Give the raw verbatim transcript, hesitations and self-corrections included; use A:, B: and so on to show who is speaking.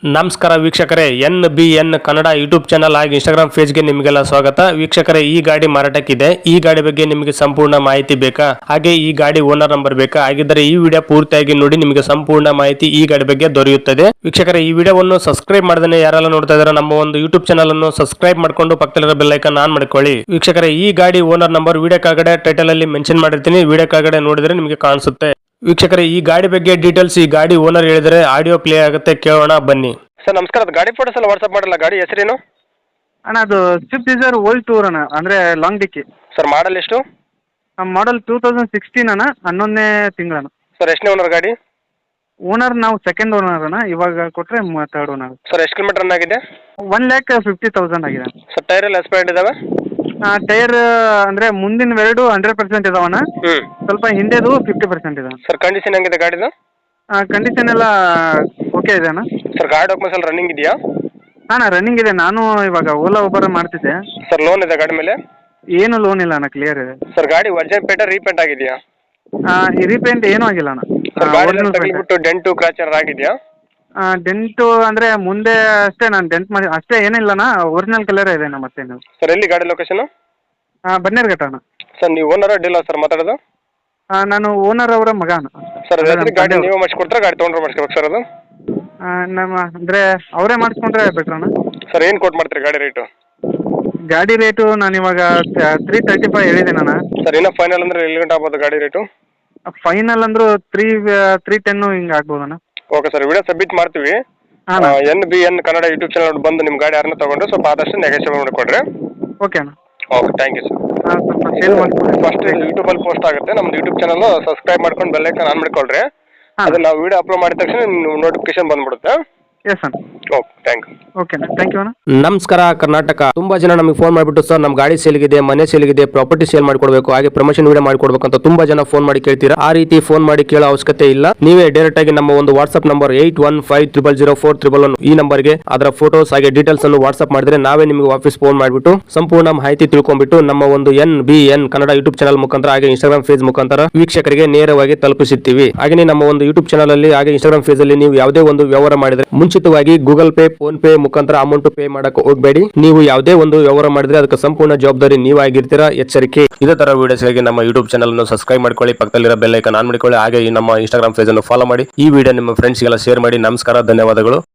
A: ನಮಸ್ಕಾರ ವೀಕ್ಷಕರೇ, N B N Kannada YouTube channel ಹಾಗೂ ಇನ್ಸ್ಟಾಗ್ರಾಮ್ ಪೇಜ್ಗೆ ನಿಮಗೆಲ್ಲ ಸ್ವಾಗತ. ವೀಕ್ಷಕರೇ, ಈ ಗಾಡಿ ಮಾರಾಟಕ್ಕಿದೆ. ಈ ಗಾಡಿ ಬಗ್ಗೆ ನಿಮಗೆ ಸಂಪೂರ್ಣ ಮಾಹಿತಿ ಬೇಕಾ, ಹಾಗೆ ಈ ಗಾಡಿ ಓನರ್ ನಂಬರ್ ಬೇಕಾ? ಹಾಗಿದ್ದರೆ ಈ ವಿಡಿಯೋ ಪೂರ್ತಿಯಾಗಿ ನೋಡಿ, ನಿಮಗೆ ಸಂಪೂರ್ಣ ಮಾಹಿತಿ ಈ ಗಾಡಿ ಬಗ್ಗೆ ದೊರೆಯುತ್ತದೆ. ವೀಕ್ಷಕರೇ, ಈ ವಿಡಿಯೋವನ್ನು ಸಬ್ಸ್ಕ್ರೈಬ್ ಮಾಡದೇ ಯಾರೆಲ್ಲ ನೋಡ್ತಾ ಇದ್ದಾರೆ, ನಮ್ಮ ಒಂದು ಯೂಟ್ಯೂಬ್ ಚಾನಲ್ ಅನ್ನು ಸಬ್ಸ್ಕ್ರೈಬ್ ಮಾಡ್ಕೊಂಡು ಪಕ್ಕದಲ್ಲಿರೋ ಬೆಲ್ ಐಕಾನ್ ಆನ್ ಮಾಡ್ಕೊಳ್ಳಿ. ವೀಕ್ಷಕರೇ, ಈ ಗಾಡಿ ಓನರ್ ನಂಬರ್ ವಿಡಿಯೋ ಕೆಳಗಡೆ ಟೈಟಲ್ ಅಲ್ಲಿ ಮೆನ್ಷನ್ ಮಾಡಿರ್ತೀನಿ, ವಿಡಿಯೋ ಕೆಳಗಡೆ ನೋಡಿದ್ರೆ ನಿಮಗೆ ಕಾಣಿಸುತ್ತೆ. ವೀಕ್ಷಕರೇ, ಈ ಗಾಡಿ ಬಗ್ಗೆ ಡೀಟೇಲ್ಸ್ ಈ ಗಾಡಿ ಓನರ್ ಹೇಳಿದರೆ ಆಡಿಯೋ ಪ್ಲೇ ಆಗುತ್ತೆ, ಕೇಳೋಣ ಬನ್ನಿ.
B: ಸರ್ ನಮಸ್ಕಾರ, ಅದು ಗಾಡಿ ಫೋಟೋಸ್ ಎಲ್ಲ ವಾಟ್ಸಪ್ ಮಾಡಲ್ಲ. ಗಾಡಿ ಹೆಸರೇನು?
C: ಅಣ್ಣ ಅದು ಸ್ವಿಫ್ಟ್ ಡಿಸೈರ್ ಓಲ್ಡ್ ಟೂರ್ ಅಣ್ಣ, ಅಂದರೆ ಲಾಂಗ್ ಡಿಕ್ಕಿ.
B: ಸರ್ ಮಾಡಲ್ ಎಷ್ಟು?
C: ಮಾಡಲ್ ಟೂ ತೌಸಂಡ್ ಸಿಕ್ಸ್ಟೀನ್ ಅಣ್ಣ, ಹನ್ನೊಂದನೇ ತಿಂಗಳಣ್ಣ.
B: ಸರ್ ಎಷ್ಟನೇ ಓನರ್ ಗಾಡಿ?
C: ಓನರ್ ನಾವು ಸೆಕೆಂಡ್ ಓನರ್ ಅಣ್ಣ, ಇವಾಗ ಕೊಟ್ಟರೆ ಥರ್ಡ್ ಓನರ್.
B: ಸರ್ ಎಷ್ಟು ಕಿಲೋಮೀಟರ್ ರನ್ ಆಗಿದೆ?
C: ಒನ್ ಲ್ಯಾಕ್ ಫಿಫ್ಟಿ ತೌಸಂಡ್ ಆಗಿದೆ.
B: ಸರ್ ಟೈರ್ ಎಲ್ಲ ಎಕ್ಸ್ಪೈರ್ಡ್ ಇದಾವೆ?
C: ಟೈರ್ ಅಂದರೆ ಮುಂದಿನ ಎರಡು ಹಂಡ್ರೆಡ್ ಪರ್ಸೆಂಟ್ ಇದಾವಣ್ಣ,
B: ಹ್ಞೂ.
C: ಸ್ವಲ್ಪ ಹಿಂದೆದು ಫಿಫ್ಟಿ ಪರ್ಸೆಂಟ್ ಇದೆ.
B: ಸರ್ ಕಂಡೀಷನ್ ಹೆಂಗಿದೆ ಗಾಡಿದು?
C: ಕಂಡೀಷನ್ ಎಲ್ಲ ಓಕೆ ಇದೆ ಅಣ್ಣ.
B: ಸರ್ ಗಾಡಿ ಡಾಕ್ಯುಮೆಂಟ್ಸ್ ಎಲ್ಲ ರನ್ನಿಂಗ್ ಇದೆಯಾ?
C: ಹಾಂ ರನ್ನಿಂಗ್ ಇದೆ. ನಾನು ಇವಾಗ ಓಲಾ ಒಬ್ಬರ ಮಾಡ್ತಿದ್ದೆ.
B: ಸರ್ ಲೋನ್ ಇದೆ ಗಾಡಿ ಮೇಲೆ?
C: ಏನು ಲೋನ್ ಇಲ್ಲ ಅಣ್ಣ, ಕ್ಲಿಯರ್ ಇದೆ.
B: ಸರ್ ಗಾಡಿ ಒರಿಜಿನಲ್ ಪೇಂಟ್ ರೀಪೇಂಟ್ ಆಗಿದೆಯಾ?
C: ರೀಪೇಂಟ್ ಏನೂ ಆಗಿಲ್ಲ ಅಣ್ಣ.
B: ಸರ್ ಗಾಡಿ ತಗಲಿಬಿಟ್ಟು ಡೆಂಟು ಕ್ರಾಚರ್ ಆಗಿದೆಯಾ?
C: ಡೆಂಟು ಅಂದರೆ ಮುಂದೆ ಅಷ್ಟೇ, ನಾನು ಡೆಂಟ್ ಮಾಡಿ ಅಷ್ಟೇ, ಏನಿಲ್ಲಣ್ಣ. ಒರಿಜಿನಲ್ ಕಲರೇ ಇದೆ ಅಣ್ಣ. ಮತ್ತೇನು?
B: ಸರ್ ಎಲ್ಲಿ ಗಾಡಿ ಲೊಕೇಶನ್?
C: ಹಾಂ ಬನ್ನೇರುಘಟ್ಟ ಅಣ್ಣ.
B: ಸರ್ ನೀವು ಓನರ್ ಡೀಲರ್ ಸರ್ ಮಾತಾಡೋದು?
C: ನಾನು ಓನರ್ ಅವರ ಮಗ ಅಣ್ಣ.
B: ಸರ್ ಗಾಡಿ ನೀವು ಮಾಡಿಸ್ಕೊಡ್ತಾರೆ, ಗಾಡಿ ತೊಗೊಂಡ್ರೆ ಮಾಡಿಸ್ಕೋಬೇಕು ಸರ್ ಅದು?
C: ನಮ್ಮ ಅಂದರೆ ಅವರೇ ಮಾಡಿಸ್ಕೊಂಡ್ರೆ ಬೆಟ್ರ್ ಅಣ್ಣ.
B: ಸರ್ ಏನು ಕೊಟ್ಟು ಮಾಡ್ತೀರಿ ಗಾಡಿ ರೇಟು?
C: ಗಾಡಿ ರೇಟು ನಾನು ಇವಾಗ ತ್ರೀ ತರ್ಟಿ ಫೈವ್ ಹೇಳಿದ್ದೀನಿ ಅಣ್ಣ.
B: ಸರ್ ಇನ್ನೂ ಫೈನಲ್ ಅಂದರೆ ಎಲ್ಲಿ ಗಂಟೆ ಆಗ್ಬೋದು ಗಾಡಿ ರೇಟು?
C: ಫೈನಲ್ ಅಂದರೂ ತ್ರೀ ತ್ರೀ ಟೆನ್ನು ಹಿಂಗೆ ಆಗ್ಬೋದು ಅಣ್ಣ.
B: ಓಕೆ ಸರ್, ವಿಡಿಯೋ ಸಬ್ಮಿಟ್ ಮಾಡ್ತೀವಿ.
C: ಹಾಂ
B: N B N Kannada YouTube channel ಬಂದು ನಿಮ್ಮ ಗಾಡಿ ಯಾರನ್ನ ತೊಗೊಂಡು ಸ್ವಲ್ಪ ಆದಷ್ಟು ನೆಗೋಷಿಯೇಟ್ ಮಾಡಿಕೊಡ್ರಿ.
C: ಓಕೆ ಅಣ್ಣ.
B: Okay, thank you sir.
C: ಹಾಂ ಸ್ವಲ್ಪ ಸೇಲ್ ಮಾಡಿಕೊಡಿ.
B: ಫಸ್ಟ್ ಯೂಟ್ಯೂಬಲ್ಲಿ ಪೋಸ್ಟ್ ಆಗುತ್ತೆ, ನಮ್ದು ಯೂಟ್ಯೂಬ್ ಚಾನಲ್ ಸಬ್ಸ್ಕ್ರೈಬ್ ಮಾಡ್ಕೊಂಡು ಬೆಲ್ ಐಕಾನ್ ಆನ್ ಮಾಡ್ಕೊಳ್ರಿ. ಅದನ್ನ ನಾವು ವಿಡಿಯೋ ಅಪ್ಲೋಡ್ ಮಾಡಿದ ತಕ್ಷಣ ನೋಟಿಫಿಕೇಶನ್ ಬಂದ್ಬಿಡುತ್ತೆ.
C: ಎಸ್ ಅಣ್ಣ.
B: Okay, thank you.
C: ಓಕೆ ಅಣ್ಣ, ಥ್ಯಾಂಕ್ ಯು ಅಣ್ಣ.
A: ನಮಸ್ಕಾರ ಕರ್ನಾಟಕ. ತುಂಬಾ ಜನ ನಮಗೆ ಫೋನ್ ಮಾಡಿಬಿಟ್ಟು ಸರ್ ನಮ್ಮ ಗಾಡಿ ಸೇಲ್ಗಿದೆ, ಮನೆ ಸೇಲ್ಗಿದೆ, ಪ್ರಾಪರ್ಟಿ ಸೇಲ್ ಮಾಡ್ಕೊಡ್ಬೇಕು, ಹಾಗೆ ಪ್ರಮೋಷನ್ ವಿಡಿಯೋ ಮಾಡ್ಕೊಡ್ಬೇಕು ಅಂತ ತುಂಬಾ ಜನ ಫೋನ್ ಮಾಡಿ ಕೇಳ್ತೀರಾ. ಆ ರೀತಿ ಫೋನ್ ಮಾಡಿ ಕೇಳೋ ಅವಶ್ಯಕತೆ ಇಲ್ಲ. ನೀವೇ ಡೈರೆಕ್ಟ್ ಆಗಿ ನಮ್ಮ ಒಂದು WhatsApp number eight one five triple zero four triple one ಈ ನಂಬರ್ಗೆ ಅದರ ಫೋಟೋಸ್ ಹಾಗೆ ಡೀಟೇಲ್ಸ್ ಅನ್ನು ವಾಟ್ಸ್ಆಪ್ ಮಾಡಿದ್ರೆ ನಾವೇ ನಿಮಗೆ ವಾಪಸ್ ಫೋನ್ ಮಾಡಿಬಿಟ್ಟು ಸಂಪೂರ್ಣ ಮಾಹಿತಿ ತಿಳ್ಕೊಂಡ್ಬಿಟ್ಟು ನಮ್ಮ ಒಂದು N B N Kannada YouTube channel ಮುಖಾಂತರ ಹಾಗೆ ಇನ್ಸ್ಟಾಗ್ರಾಮ್ ಪೇಜ್ ಮುಖಾಂತರ ವೀಕ್ಷಕರಿಗೆ ನೇರವಾಗಿ ತಲುಪಿಸುತ್ತೀವಿ. ಹಾಗೆ ನಮ್ಮ ಒಂದು ಯೂಟ್ಯೂಬ್ ಚಾನಲ್ ಅಲ್ಲಿ ಹಾಗೆ ಇನ್ಸ್ಟಾಗ್ರಾಮ್ ಪೇಜ್ ಅಲ್ಲಿ ನೀವು ಯಾವುದೇ ಒಂದು ವ್ಯವಹಾರ ಮಾಡಿದ್ರೆ ಮುಂಚಿತವಾಗಿ ಗೂಗಲ್ ಪೇ, ಫೋನ್ ಪೇ ಮುಖಾಂತರ ಅಮೌಂಟ್ ಪೇ ಮಾಡಕ್ಕೆ ಹೋಗಬೇಡಿ. ನೀವು ಯಾವುದೇ ಒಂದು ವ್ಯವಹಾರ ಮಾಡಿದ್ರೆ ಅದಕ್ಕೆ ಸಂಪೂರ್ಣ ಜವಾಬ್ದಾರಿ ನೀವಾಗಿರ್ತೀರಾ, ಎಚ್ಚರಿಕೆ. ಇದೇ ತರ ವಿಡಿಯೋಸ್ಗಾಗಿ ನಮ್ಮ ಯೂಟ್ಯೂಬ್ ಚಾನಲ್ ಅನ್ನು ಸಬ್ಸ್ಕ್ರೈಬ್ ಮಾಡ್ಕೊಳ್ಳಿ, ಪಕ್ಕದಲ್ಲಿರೋ ಬೆಲ್ ಐಕಾನ್ ಆನ್ ಮಾಡ್ಕೊಳ್ಳಿ, ಹಾಗೆ ಈ ನಮ್ಮ ಇನ್ಸ್ಟಾಗ್ರಾಮ್ ಪೇಜ್ ಅನ್ನು ಫಾಲೋ ಮಾಡಿ. ಈ ವಿಡಿಯೋ ನಿಮ್ಮ ಫ್ರೆಂಡ್ಸ್ಗೆಲ್ಲ ಶೇರ್ ಮಾಡಿ. ನಮಸ್ಕಾರ, ಧನ್ಯವಾದಗಳು.